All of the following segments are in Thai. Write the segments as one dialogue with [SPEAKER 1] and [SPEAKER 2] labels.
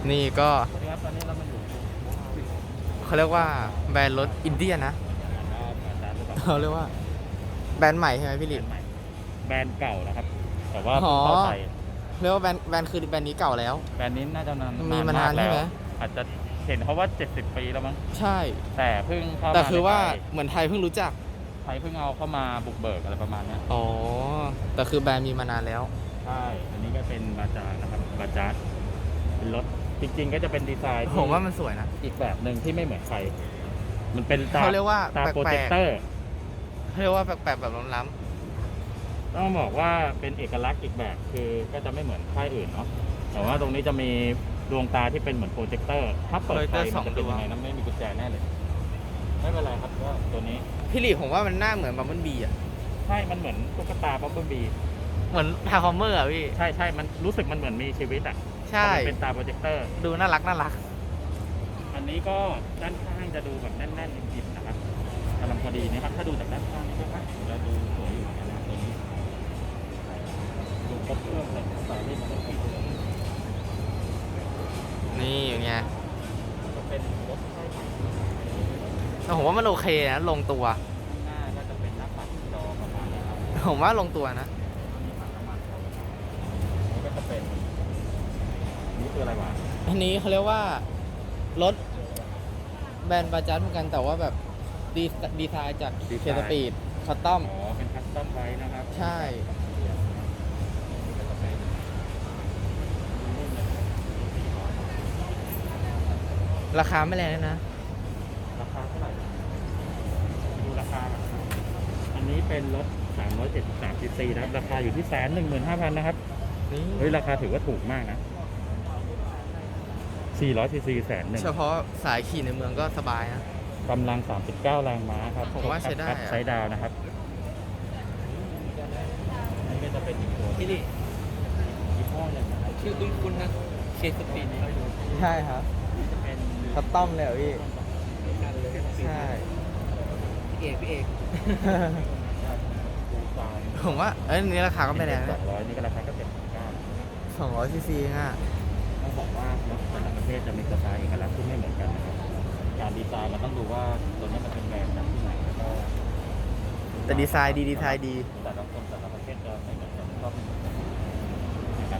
[SPEAKER 1] นี่ก็
[SPEAKER 2] สวัสดีครับตอนนี้เรามาอยู่
[SPEAKER 1] เขาเรียกว่าแบรนด์รถอินเดียนะ
[SPEAKER 2] อาจารย์หรือเปล่า
[SPEAKER 1] เขาเรียกว่าแบรนด์ใหม่ใช่ไหมพี่
[SPEAKER 2] แบร
[SPEAKER 1] ลิ
[SPEAKER 2] น
[SPEAKER 1] น
[SPEAKER 2] ด์ใหม่แบรนด์เก่านะครับ แต่ว่า
[SPEAKER 1] อ๋
[SPEAKER 2] เพิ่
[SPEAKER 1] อ
[SPEAKER 2] งเข้าไทย
[SPEAKER 1] เรียกว่าแบรนด์คือแบรนด์นี้เก่าแล้ว
[SPEAKER 2] แบรนด์นี้น่าจะนาน
[SPEAKER 1] มีมานาน
[SPEAKER 2] กแล้ว
[SPEAKER 1] ใช่ไหม
[SPEAKER 2] อาจจะเห็นเขาว่า70 ปีแล้วมั้ง
[SPEAKER 1] ใช่
[SPEAKER 2] แต่เพิ่งเข้ามา
[SPEAKER 1] แต่คือว่า
[SPEAKER 2] ในไทย
[SPEAKER 1] เหมือนไทยเพิ่งรู้จัก
[SPEAKER 2] ไทยเพิ่งเอาเข้ามาบุกเบิกอะไรประมาณเนี้ย
[SPEAKER 1] อ๋อ แต่คือแบรนด์มีมานานแล้ว
[SPEAKER 2] ใช่อันนี้ก็เป็นบาจาร์นะครับบาจาร์เป็นรถจริง ๆ ก็จะเป็นดีไซน์ที่
[SPEAKER 1] ผมว่ามันสวยนะ
[SPEAKER 2] อีกแบบหนึ่งที่ไม่เหมือนใครมันเป็นตา
[SPEAKER 1] เขาเรียกว่า
[SPEAKER 2] ตา
[SPEAKER 1] แปลกๆ
[SPEAKER 2] โปรเจคเตอร์
[SPEAKER 1] เขาเรียกว่าแปลกๆแบบล้ำ
[SPEAKER 2] ต้องบอกว่าเป็นเอกลักษณ์อีกแบบคือก็จะไม่เหมือนค่ายอื่นเนาะแต่ว่าตรงนี้จะมีดวงตาที่เป็นเหมือนโปรเจคเตอร์ถ้าเปิดไฟมันจะเป็นยังไงนะไม่มีกุญแจแน่เลยไม่เป็นไรครับก็ตัวนี้
[SPEAKER 1] ๆพี่ลิผมว่ามันหน้าเหมือนบัมเบิลบีอ่ะ
[SPEAKER 2] ใช่มันเหมือนตุ๊กตาบับเบิ้ลบี
[SPEAKER 1] เหมือนทาคอมเมอร์อ่ะพี่
[SPEAKER 2] ใช่มันรู้สึกมันเหมือนมีชีวิตอ่ะ
[SPEAKER 1] ใช่
[SPEAKER 2] เพราะมันเป็นตาโปรเจคเตอร์
[SPEAKER 1] ดูน่ารักน่ารัก
[SPEAKER 2] อันนี้ก็ด้านข้างจะดูแบบแน่นๆอิ่มๆนะครับกำลังพอดีนะครับถ้าดูจากด้านข้างนี่ก็จะดูสวยอยู่นะตัวนี้ดูครบเครื่องเลยใส่ได้มันก็ครบเครื่อง
[SPEAKER 1] นี่อย่างเงี้ย
[SPEAKER 2] จะเป็นรถค่ายใหม่
[SPEAKER 1] แต่ผมว่ามันโอเคนะลงตัว
[SPEAKER 2] ข้างหน้าก็จะเป็นหน้าปัดจอประมาณนี้ครับ
[SPEAKER 1] ผมว่าลงตัวนะ
[SPEAKER 2] มีปัดน้ำมันนี่ก็จะเป็นนี่คืออะไรวะ
[SPEAKER 1] อันนี้เขาเรียกว่ารถแบรนด์บาจัดเหมือนกันแต่ว่าแบบดีไซน์จากเคสปีดคอตตอม
[SPEAKER 2] อ๋อเป็นคัสตอมไว้นะครับ
[SPEAKER 1] ใช่
[SPEAKER 2] นี่ก็จะเป็นรุ่นเลย400
[SPEAKER 1] ราคาไม่แรงเลยนะ
[SPEAKER 2] ราคาเท่าไหร่ดูราคาก่อนนะครับอันนี้เป็นรถ373 cc นะครับราคาอยู่ที่115,000นะครับ
[SPEAKER 1] นี่
[SPEAKER 2] เฮ้ยราคาถือว่าถูกมากนะ400 cc 110,000
[SPEAKER 1] เฉพาะสายขี่ในเมืองก็สบายนะ
[SPEAKER 2] กำลัง 39 แรงม้าครับ
[SPEAKER 1] ผมว่าใช้ได้อะ
[SPEAKER 2] ใช้ดาวนะครับนี่ก็จะเป็นอีกตัว
[SPEAKER 1] พี่ลิ
[SPEAKER 2] ยี่ห้อเลยนะครับ
[SPEAKER 1] ชื่อคุ้นๆนะเคสปีดใช่ครับ
[SPEAKER 2] นี่จะเป็น
[SPEAKER 1] คอตตอมเลยเหรอพี่ใช่
[SPEAKER 2] พี่เอกดูตาม
[SPEAKER 1] ผมว่าเอ้ยอันนี้ราคาก็ไม่แรงนะ
[SPEAKER 2] 200นี่ก็ราคาก็79
[SPEAKER 1] 200ซีซีอ่ะ
[SPEAKER 2] ต้องบอกว่ารถแต่ละประเทศจะมีสไตล์เอกลักษณ์ที่ไม่เหมือนกันนะครับการดีไซน์มันต้องดูว่าตัวนี้มันเป็นแบรนด์จากที่ไหนแล้วก็
[SPEAKER 1] แต่ดีไซน์ดี
[SPEAKER 2] แต่ละคนแต่ละประเทศจะไม่เหมือนกันชอบไม่เหมือนกันนะครับ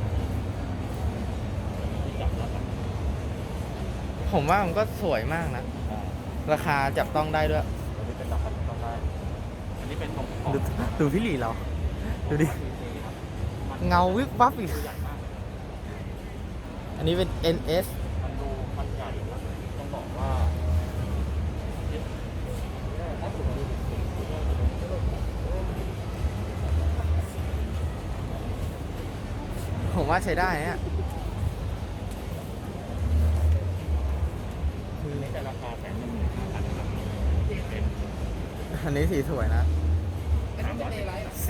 [SPEAKER 2] ที่จับแล้วกัน
[SPEAKER 1] ผมว่ามันก็สวยมากนะ ราคาจับต้องได้ด้วย
[SPEAKER 2] ตัวนี้เป็นราคาที่ต้องได้ อันนี้เป็นของ
[SPEAKER 1] ดูพี่หลีเรา ดูดิ เงาวิบวับอีก
[SPEAKER 2] ใหญ่มาก
[SPEAKER 1] อันนี้เป็น NS
[SPEAKER 2] มันดูมันใหญ่นะต้องบอกว่าถ้าสูงดู
[SPEAKER 1] ผมว่าใช้ได้เนี่ย
[SPEAKER 2] นี่จะราคา115,000ครับเป็น
[SPEAKER 1] อันนี้สีสวยนะ
[SPEAKER 2] 310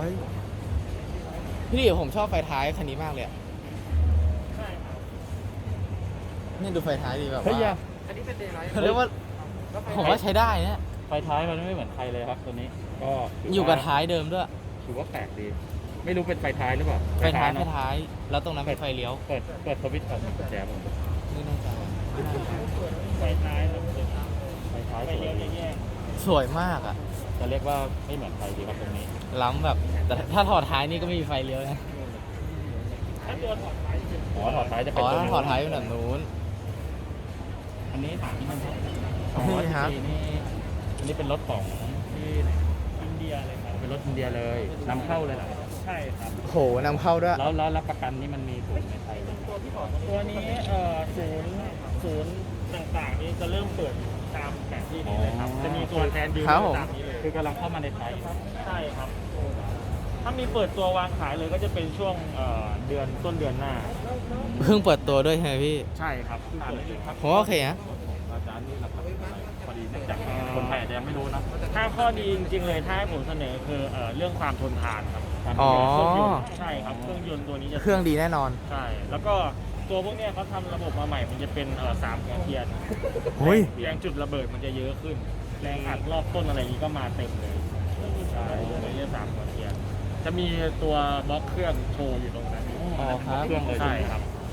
[SPEAKER 1] 400 พี่หลีผมชอบไฟท้ายคันนี้มากเลยอะ
[SPEAKER 2] ใช่ครับ
[SPEAKER 1] นี่ดูไฟท้ายดีแบบ
[SPEAKER 2] เฮ้ย
[SPEAKER 1] ว่า
[SPEAKER 2] อันนี้เป็นเดย์ไลท์
[SPEAKER 1] เขาเรียกว่า ผมว่าใช้ได้เนี่ย
[SPEAKER 2] ไฟท้ายมันไม่เหมือนใครเลยครับตัวนี้ ก็ถื
[SPEAKER 1] อยู่กับท้ายเดิมด้วย
[SPEAKER 2] ถือว่าแปลกดี ไม่รู้เป็นไฟท้ายหรือเปล่า
[SPEAKER 1] ไฟท้าย
[SPEAKER 2] เนอะ
[SPEAKER 1] แล้วตรงนั้นเป็นไฟเลี้ยว
[SPEAKER 2] เปิดสวิตช์ก่อนกุญแจผม
[SPEAKER 1] นี่แน่ใจ
[SPEAKER 2] ไฟท้ายไฟท้ายสวยดี
[SPEAKER 1] สวยมากอ่ะ
[SPEAKER 2] จะเรียกว่าไม่เหมือนใครดีครับตรงนี้
[SPEAKER 1] ล้ำแบบ แต่ถ้าถอดท้ายนี่ก็ไม่มีไฟเลี้ยวนะ
[SPEAKER 2] ถ้าตัวถอดท้ายอ๋อถอดท้ายจะเป็
[SPEAKER 1] อ๋
[SPEAKER 2] น
[SPEAKER 1] อ
[SPEAKER 2] ตัว
[SPEAKER 1] ถ้า
[SPEAKER 2] นี้
[SPEAKER 1] ถอดท้ายเป็นแบบนู้น
[SPEAKER 2] อันนี้ถามที่มัน
[SPEAKER 1] นี่ครับ
[SPEAKER 2] นี่อันนี้เป็นรถของที่ไหนอินเดียเลยครับเป็นรถอินเดียเลยนำเข้าเลยเหรอใช่ครับ
[SPEAKER 1] โหนำเข้าด้วย
[SPEAKER 2] แล้วรับประกันนี่มันมีศูนย์ในไทยไหม
[SPEAKER 3] ตัวนี้ศูนย์ต่างๆนี่จะเริ่มเปิดตามแผนที่นี้เลยครับ จะมีตัวแทนดีล
[SPEAKER 1] ครับผม
[SPEAKER 3] ตามนี้เลย
[SPEAKER 2] คือกำลังเข้ามาในไทย
[SPEAKER 3] ใช่ครับ ถ้ามีเปิดตัววางขายเลยก็จะเป็นช่วงเดือนต้นเดือนหน้า
[SPEAKER 1] เพิ่งเปิดตัวด้วยใช่ไหมพี่
[SPEAKER 3] ใช่ครับเปิดเลยครับ
[SPEAKER 1] ผมว่าโอเคนะ
[SPEAKER 2] อาจารย์นี่หลักๆอะไรพอดีเนื่องจากคนไทยอาจจะยังไม่รู้นะ
[SPEAKER 3] ถ้าข้อดีจริงๆเลยถ้าให้ผมเสนอคือเรื่องความทนทานครับ
[SPEAKER 1] อ๋อ
[SPEAKER 3] เครื่องยนต์ใช่ครับเครื่องยนต์ตัวนี้จะ
[SPEAKER 1] เครื่องดีแน่นอน
[SPEAKER 3] ใช่ แล้วก็ตัวพวกเนี้ยเขาทำระบบมาใหม่มันจะเป็น3 หัวเทียน
[SPEAKER 1] โอ้ย
[SPEAKER 3] แรงจุดระเบิดมันจะเยอะขึ้น แรงอัดรอบต้นอะไรอย่างนี้ก็มาเต็มเลยใช่ตัวนี้3 หัวเทียน จะมีตัวบล็อกเครื่องโชว์อยู่ตรงนั้น
[SPEAKER 1] อ๋อครับ
[SPEAKER 2] เครื่องเลย
[SPEAKER 3] ใช่ครับ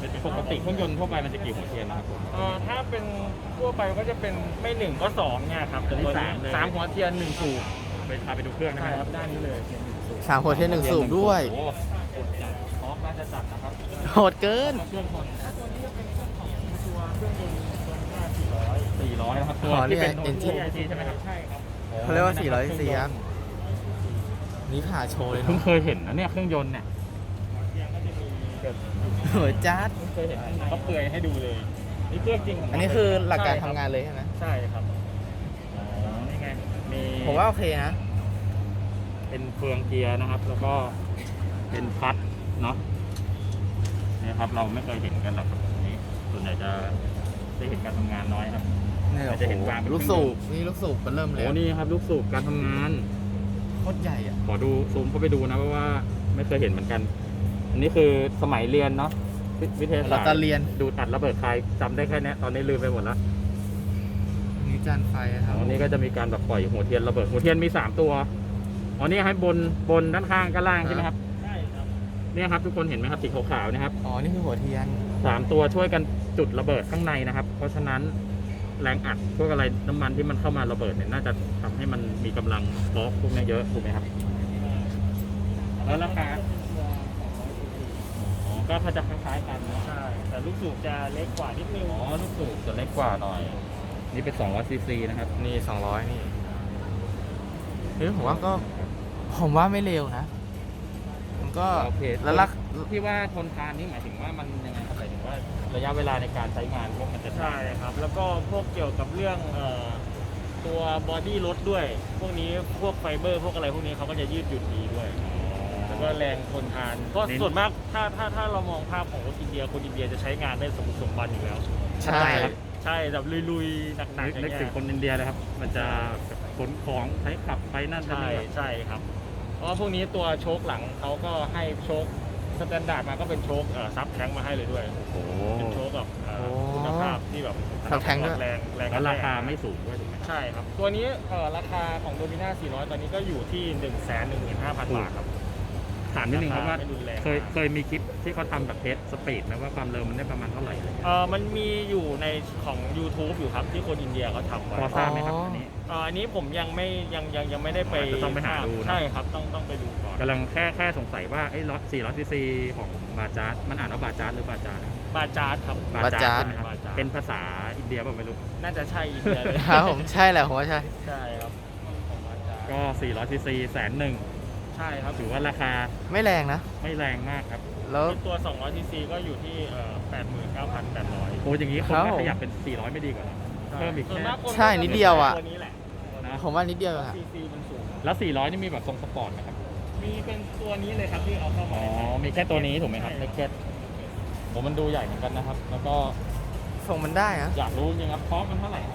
[SPEAKER 2] เป็นปกติเครื่องยนต์ทั่วไปมันจะกี่หัวเทียนนะครับผม
[SPEAKER 3] ถ้าเป็นทั่วไปก็จะเป็นไม่หนึ่งก็สองเนี่ยครับแต่ตัว
[SPEAKER 2] อันนี้
[SPEAKER 3] นี้
[SPEAKER 2] สามเลย
[SPEAKER 3] 3 หัวเทียน1 สูบ
[SPEAKER 2] ไปพาไปดูเครื่องนะ
[SPEAKER 3] ใช่
[SPEAKER 2] ค
[SPEAKER 3] ค
[SPEAKER 2] รั
[SPEAKER 3] รั
[SPEAKER 2] บบ
[SPEAKER 3] ด้านนี้เลย
[SPEAKER 1] 3 หัวเทียน1 สูบด้วย
[SPEAKER 2] โอ้โหกดจัดท็อปน่าจะจัดนะครับ
[SPEAKER 1] โหดเกิน
[SPEAKER 2] เครื่องคน
[SPEAKER 3] ตัวเครื่องยนต์ตัวนี้
[SPEAKER 2] 400นะครับตัว
[SPEAKER 1] อ๋อนี่
[SPEAKER 2] ที่
[SPEAKER 1] ไง
[SPEAKER 2] เป็น
[SPEAKER 1] engine
[SPEAKER 2] ใช่ไหมครับ
[SPEAKER 3] ใช่ครับ
[SPEAKER 1] เขาเรียกว่า400 cc ครับ นี่ผ่าโชว์เลย
[SPEAKER 2] เพิ่ง
[SPEAKER 1] เนาะ
[SPEAKER 2] เคยเห็นนะเนี่ยเครื่องยนต์เนี่ย
[SPEAKER 3] ยังก็จะมีเกิด
[SPEAKER 1] โหดจัด
[SPEAKER 3] เพิ่งเคยเห็นเขาเปลือยให้ดูเลยนี่เครื่องจริงขง
[SPEAKER 1] อันนี้คือหลักการทำงานเลยใช่ไหม
[SPEAKER 3] ใช่ครับ
[SPEAKER 2] อ๋อนี่ไงมี
[SPEAKER 1] ผมว่าโอเคนะ
[SPEAKER 2] เป็นเฟืองเกียร์นะครับ แล้วก็เป็นพัดเนาะนี่ครับเราไม่เคยเห็นกันหรอกครับอันนี้ส่วนใหญ่จะได้เห็นการทำงานน้อยครับ
[SPEAKER 1] เนี่ย
[SPEAKER 2] เราจะเห็นวางเป็น
[SPEAKER 1] ลูกสูบนี่ลูกสูบมันเริ่มเลย
[SPEAKER 2] โอ้นี่ครับลูกสูบการทำงาน
[SPEAKER 1] โคตรใหญ่อ่ะ
[SPEAKER 2] ขอดูซูมเข้าไปดูนะเพราะว่าไม่เคยเห็นเหมือนกัน อันนี้คือสมัยเรียนเนาะวิทยา
[SPEAKER 1] เรา
[SPEAKER 2] ศาสต
[SPEAKER 1] จะ
[SPEAKER 2] ร์
[SPEAKER 1] เรียน
[SPEAKER 2] ดูตัดระเบิดคายจำได้แค่เนี้ยตอนนี้ลืมไปหมดแล้ว
[SPEAKER 1] นี่จานไฟครับ
[SPEAKER 2] อันนี้ก็จะมีการแบบปล่อยหัวเทียนระเบิดหัวเทียนมี3ตัวอ๋อนี่ให้บนด้านข้างกับล่างใช่ไหมครับ
[SPEAKER 3] ใช่ครับ
[SPEAKER 2] เนี่ยครับทุกคนเห็นไหมครับสีขาวๆนะครับ
[SPEAKER 1] อ๋อ นี่คือหัวเทียน
[SPEAKER 2] 3 ตัวช่วยกันจุดระเบิดข้างในนะครับ เพราะฉะนั้นแรงอัดพวกอะไรน้ำมันที่มันเข้ามาระเบิดเนี่ยน่าจะทำให้มันมีกำลังบล็อกพวกนี้เยอะถูกไหมครับแล้วราคาอ๋อก็ถ้าจะคล้ายๆกันเนอะ
[SPEAKER 3] ใช่แต่ลูกสูบจะเล็กกว่านิดนึง
[SPEAKER 2] อ๋อลูกสูบจะเล็กกว่าหน่อย นี่เป็น200 ซีซีนะครับ
[SPEAKER 1] นี่ 200 นี่เฮ้ยผมว่าก็ ผมว่าไม่เร็วนะ มันก็
[SPEAKER 2] โอเค
[SPEAKER 1] แล้วลัก
[SPEAKER 2] ที่ว่าทนทานนี่หมายถึงว่ามันยังไงครับหมายถึงว่าระยะเวลาในการใช้งานพวกมันจะ
[SPEAKER 3] ใช่ครับ แล้วก็พวกเกี่ยวกับเรื่องตัวบอดี้รถด้วย พวกนี้พวกไฟเบอร์ พวกอะไรพวกนี้เขาก็จะยืดหยุ่นดีด้วย แล้วก็แรงทนทานเพราะส่วนมากถ้าเรามองภาพของรถอินเดียคนอินเดียจะใช้งานได้สมบุกสมบันอยู่แล้ว
[SPEAKER 1] ใช่
[SPEAKER 3] ใช่แบบลุยๆหนักๆอย่าง
[SPEAKER 2] นึก
[SPEAKER 3] เงี้
[SPEAKER 2] ถึง
[SPEAKER 3] ย
[SPEAKER 2] คนอินเดียเลยครับ มันจะขนของใช้ขับไปนั่นไป
[SPEAKER 3] ใช่
[SPEAKER 2] นี่
[SPEAKER 3] ใช่ครับ เพราะว่าพวกนี้ตัวโชคหลังเขาก็ให้โชคสแตนดาร์ดมาก็เป็นโชคซับแท้งมาให้เลยด้วย
[SPEAKER 2] โอ้โห
[SPEAKER 3] เป็นโชคแบบคุณภาพที่แบบ
[SPEAKER 1] ซับแท้งด้วย
[SPEAKER 3] แรง
[SPEAKER 2] แล้วราคาไม่สูงด้วยถูกไหม
[SPEAKER 3] ใช่ครับ ตัวนี้ราคาของโดมิน่า400 ตอนนี้ก็อยู่ที่ 115,000 บาทครับ
[SPEAKER 2] ถามนิดนึงครับว่า
[SPEAKER 3] ไม่รุนแรง
[SPEAKER 2] เคยมีคลิปที่เขาทำแบบเทสสปีดไหมว่าความเร็วมันได้ประมาณเท่าไหร่อะไรเงี้ย
[SPEAKER 3] มันมีอยู่ในของ YouTube อยู่ครับที่คนอินเดียเขาทำไว้
[SPEAKER 2] พอทราบไหมครับอันนี้
[SPEAKER 3] อันนี้ผมยังไม่ได้ไป
[SPEAKER 2] อาจจะต้องไปหาดูนะ
[SPEAKER 3] ใช่ครับต้องไปดูก่อน
[SPEAKER 2] กำลังแค่สงสัยว่าไอ้รถ400 ซีซีของบาจาร์ดมันอ่านว่าบาจาร์ดหรือบาจาร์ด
[SPEAKER 3] บาจาร์ดครับ
[SPEAKER 1] บาจาร์ด
[SPEAKER 2] ใช่ไหมครับ
[SPEAKER 3] บาจาร์ด
[SPEAKER 2] เป็นภาษาอินเดียเปล่าไม่รู้
[SPEAKER 3] น่าจะใช่อินเดียเลย
[SPEAKER 1] ครับผมใช่แหละผมว่าใช่
[SPEAKER 3] ใช่ครับของบาจาร์ด
[SPEAKER 2] ก็400 ซีซี110,000
[SPEAKER 3] ใช่ครับ
[SPEAKER 2] ถือว่าราคา
[SPEAKER 1] ไม่แรงนะ
[SPEAKER 2] ไม่แรงมากครับ
[SPEAKER 1] แล้ว
[SPEAKER 3] ตัว200 ซีซีก็อยู่ที่89,800
[SPEAKER 2] โอ้อย่างนี้คน
[SPEAKER 1] ครับ
[SPEAKER 2] ก็ขยับเป็น 400 ไม่ดีกว่าเหรอ เพิ่มอีก
[SPEAKER 3] ส่วนากคน
[SPEAKER 1] ใช่นิดเดียวอะ
[SPEAKER 3] ตัวนี้แหละ
[SPEAKER 2] นะ
[SPEAKER 1] ผมว่านิดเดียวเองอะ
[SPEAKER 3] ซีซีมันสูง
[SPEAKER 2] แล้ว 400 นี่มีแบบทรงสปอร์ตไหมครับ
[SPEAKER 3] มีเป็นตัวนี้เลยครับที่เอาเข้า
[SPEAKER 2] อ๋
[SPEAKER 3] มา
[SPEAKER 2] อ มีแค่ตัวนี้ถูกไหมครับ
[SPEAKER 3] ใช่
[SPEAKER 2] เล็กเก็ตผมมันดูใหญ่เหมือนกันนะครับ แล้วก็
[SPEAKER 1] ส่งมันได้นะ
[SPEAKER 2] อยากรู้จริงครับคอสมันเท่าไหร่ครับ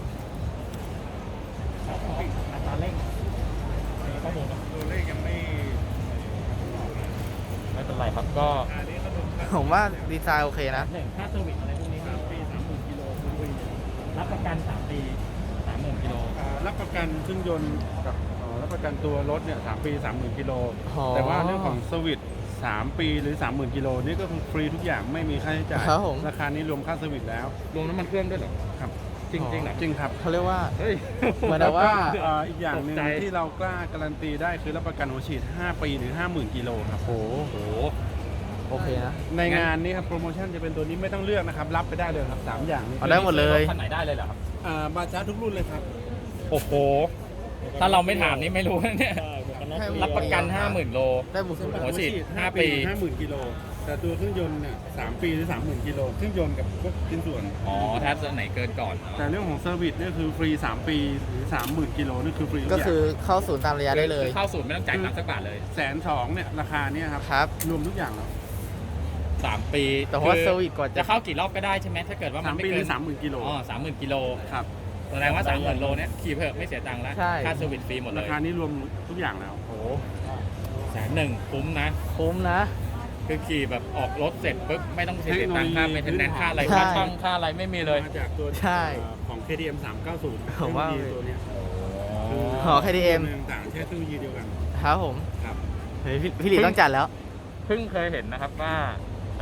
[SPEAKER 3] อัตราเร่งข้อมูลนะ
[SPEAKER 2] ตัวเลขยังไม่เป็นไรครับ ก็
[SPEAKER 1] ผมว่าดีไซน์โอเคนะ
[SPEAKER 2] หนึ่งค่าเซอร์วิสอะไรพวกนี้ครับปี 30,000 กิโลคุณคุยรับประกัน 3 ปี 30,000 กิโล
[SPEAKER 4] รับประกันเครื่องยนต์กับรับประกันตัวรถเนี่ย3 ปี 30,000 กิโล
[SPEAKER 1] อ๋อ
[SPEAKER 4] แต่ว่าเรื่องของสวิต3 ปีหรือ 30,000 กิโลนี่ก็คือฟรีทุกอย่างไม่มีค่าใช้จ่าย
[SPEAKER 1] ครับผม
[SPEAKER 4] ราคานี้รวมค่าสวิตแล้ว
[SPEAKER 2] รวมน้ำมันเครื่องด้วยเหรอ
[SPEAKER 4] ครับ
[SPEAKER 2] จริงๆเหรอ
[SPEAKER 4] จริงครับ
[SPEAKER 1] เขาเรียกว่า
[SPEAKER 2] เฮ้ย
[SPEAKER 1] เหมือนแบบว่า
[SPEAKER 4] อีกอย่างหนึ่ง
[SPEAKER 2] ตกใจ
[SPEAKER 4] ที่เรากล้าการันตีได้คือรับประกันหัวฉีด 5 ปีหรือ 50,000 กิโลครับ
[SPEAKER 1] โอ้
[SPEAKER 2] โอ้โห
[SPEAKER 1] โอเคนะ
[SPEAKER 4] ในงานนี้ครับโปรโมชั่นจะเป็นตัวนี้ไม่ต้องเลือกนะครับ รับไปได้เลยครับ 3 อย่างนี้
[SPEAKER 1] เอาได้หมดเลย
[SPEAKER 2] คันไหนได้เลยเหรอครับ
[SPEAKER 4] บาจาร์ทุกรุ่นเลยครับ
[SPEAKER 2] โอ้โห ถ้าเราไม่ถามนี่ไม่รู้นะเนี่ย
[SPEAKER 3] ใช่หมวกกันน็อก
[SPEAKER 1] ให้
[SPEAKER 2] รับประกัน 50,000 โล
[SPEAKER 1] ได้บุก
[SPEAKER 2] หัวฉีด 5 ปี
[SPEAKER 4] 50,000 กิโลแต่ตัวเครื่องยนต์เนี่ย3 ปีหรือ 30,000 กิโลเครื่องยนต์กับพวกชิ้นส่วน
[SPEAKER 2] อ๋อ ถ้าตัวไหนเกินก่อน
[SPEAKER 4] แต่เรื่องของเซอร์วิสเนี่ยคือฟรี 3 ปีหรือ 30,000 กิโลนี่คือฟรีทุ
[SPEAKER 1] ก็
[SPEAKER 4] กอย่าง
[SPEAKER 1] คือเข้าศูนย์ตามระยะได้เลย
[SPEAKER 2] เข้าศูนย์ไม่ต้องจ่ายตังค์สักบาทเลย
[SPEAKER 4] 120,000เนี่ยราคาเนี่ยครับ
[SPEAKER 1] ครับ
[SPEAKER 4] รวมทุกอย่างแล้ว
[SPEAKER 2] 3 ปี
[SPEAKER 1] แต่ว่าเซอร์วิสก่อน
[SPEAKER 2] จะเข้ากี่รอบก็ได้ใช่ไหมถ้าเกิดว่ามัน
[SPEAKER 4] 3
[SPEAKER 2] ไม่
[SPEAKER 4] ปีห
[SPEAKER 2] เกิ
[SPEAKER 4] รื
[SPEAKER 2] น
[SPEAKER 4] อ 30,000 กิโล
[SPEAKER 2] อ๋อ 30,000 กิโล
[SPEAKER 4] ครับ
[SPEAKER 2] แสดงว่า 30,000 โลเนี่ยขี่เพิ่มไม่เสียตังค์แล้ว
[SPEAKER 1] ใช่
[SPEAKER 2] ค่าเซอร์วิสฟรีหมดเล
[SPEAKER 4] ราย คานี้รวมทุกอย่างแล้ว
[SPEAKER 1] โอ้
[SPEAKER 2] 100,000คุ้มนะ
[SPEAKER 1] คุ้มนะ
[SPEAKER 2] คือขี่แบบออกรถเสร็จปุ๊บไม่ต้องเสียตังค์ค่า
[SPEAKER 4] เท
[SPEAKER 2] เม
[SPEAKER 4] คโนโลยี
[SPEAKER 2] นเทนแนนซ์ค่าอะไร
[SPEAKER 1] ใช่
[SPEAKER 2] ค่าช่องค่าอะไรไม่มีเลย
[SPEAKER 4] มาจากตัว
[SPEAKER 1] ใช่
[SPEAKER 4] ของ KTM 390
[SPEAKER 1] ผมว่า
[SPEAKER 4] เทคโนโลยีตัวเนี้ย
[SPEAKER 1] อ๋อ KTM
[SPEAKER 4] ตัวต่างๆใช้เทคโนโลยีเดียวกัน
[SPEAKER 1] ครับผม
[SPEAKER 4] ครับ
[SPEAKER 1] เฮ้ยพี่หลีต้องจัดแล้ว
[SPEAKER 2] เพิ่งเคยเห็นนะครับว่าแบบเว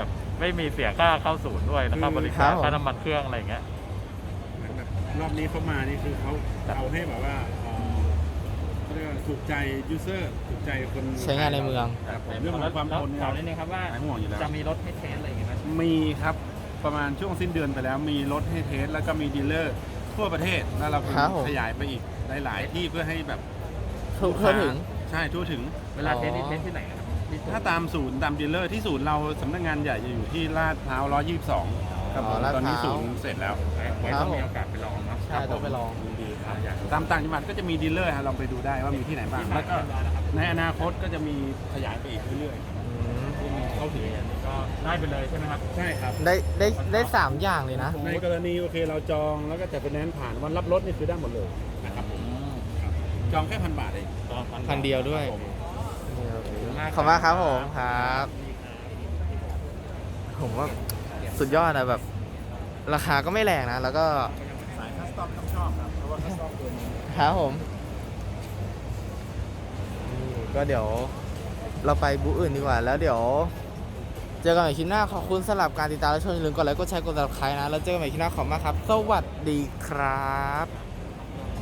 [SPEAKER 2] ไม่มีเสียค่าเข้าศูนย์ด้วยแล้วก็บริ
[SPEAKER 1] ครั
[SPEAKER 2] การ
[SPEAKER 1] บผม
[SPEAKER 2] ค่าน้ำมันเครื่องอะไรอย่างเงี้ย
[SPEAKER 4] เหมือนแบบรอบนี้เขามานี่คือเขาเอาให้แบบว่าเขาเรียกว่าถูกใจยูเซอร์ถูกใจคน
[SPEAKER 1] ใช้งานในเมือง
[SPEAKER 4] ครับผมเรื่องของความทนเนี่ย
[SPEAKER 2] ถามนิดนึงครับว่า
[SPEAKER 4] หายห่วงอยู่แล้ว
[SPEAKER 2] จะมีรถให้เทสอะไรอย่างเงี้ยไหม
[SPEAKER 4] มีครับประมาณช่วงสิ้นเดือนไปแล้วมีรถให้เทสแล้วก็มีดีลเลอร์ทั่วประเทศแล้วเรา
[SPEAKER 1] ครับผม
[SPEAKER 4] ขยายไปอีกหลายๆที่เพื่อให้แบบ
[SPEAKER 1] ทั่วถึง
[SPEAKER 4] ใช่ทั่วถึง
[SPEAKER 2] เวลาเทสนี่เทสที่ไหนครับที่
[SPEAKER 4] ถ้าตามศูนย์ตามดีลเลอร์ที่ศูนย์เราสำนักงานใหญ่จะอยู่ที่ลาดพร้าว122ครับผม
[SPEAKER 1] ลาดพร้าว
[SPEAKER 4] ตอนนี้ศูนย์เสร็จแล้ว
[SPEAKER 2] ไว้ต้องมีโอกาสไปลองเนาะ
[SPEAKER 1] ใช่ต้องไปลอง
[SPEAKER 2] ยินดีครับอยาก
[SPEAKER 4] ตามต่างจังหวัดก็จะมีดีลเลอร์ฮะลองไปดูได้ว่ามีที่ไหนบ้างแล้วก็ในอนาคตก็จะมีขยายไปอีกเรื่อย
[SPEAKER 1] อืม
[SPEAKER 2] เข้าถึงอันนี้ก็ได้ไปเลยใช่ไหมครับ
[SPEAKER 4] ๆใช่ครับ
[SPEAKER 1] ได้3 อย่างเลยนะ
[SPEAKER 4] ในกรณีโอเคเราจองแล้วก็จัดไฟแนนซ์ผ่านวันรับรถนี่คือได้หมดเลยนะครับผมจองแค่1,000 บาทเอง
[SPEAKER 1] พันเดียวด้วย
[SPEAKER 4] ครับผม
[SPEAKER 1] ขอบคุณมากครับผมครับ ผมว่าสุดยอดนะแบบ ราคาก็ไม่แรงนะ แล้วก็
[SPEAKER 4] สายคัสตอมต้องชอบครับเพราะว่าคัสตอมตัวนี้
[SPEAKER 1] ครับผมนี่ก็เดี๋ยวเราไปบูธอื่นดีกว่า แล้วเดี๋ยว เจอกันใหม่คลิปหน้าขอบคุณสำหรับการติดตามและชมอย่าลืมกดไลค์กดแชร์กด subscribe นะแล้วเจอกันใหม่คลิปหน้าขอบคุณมากครับ สวัสดีครับ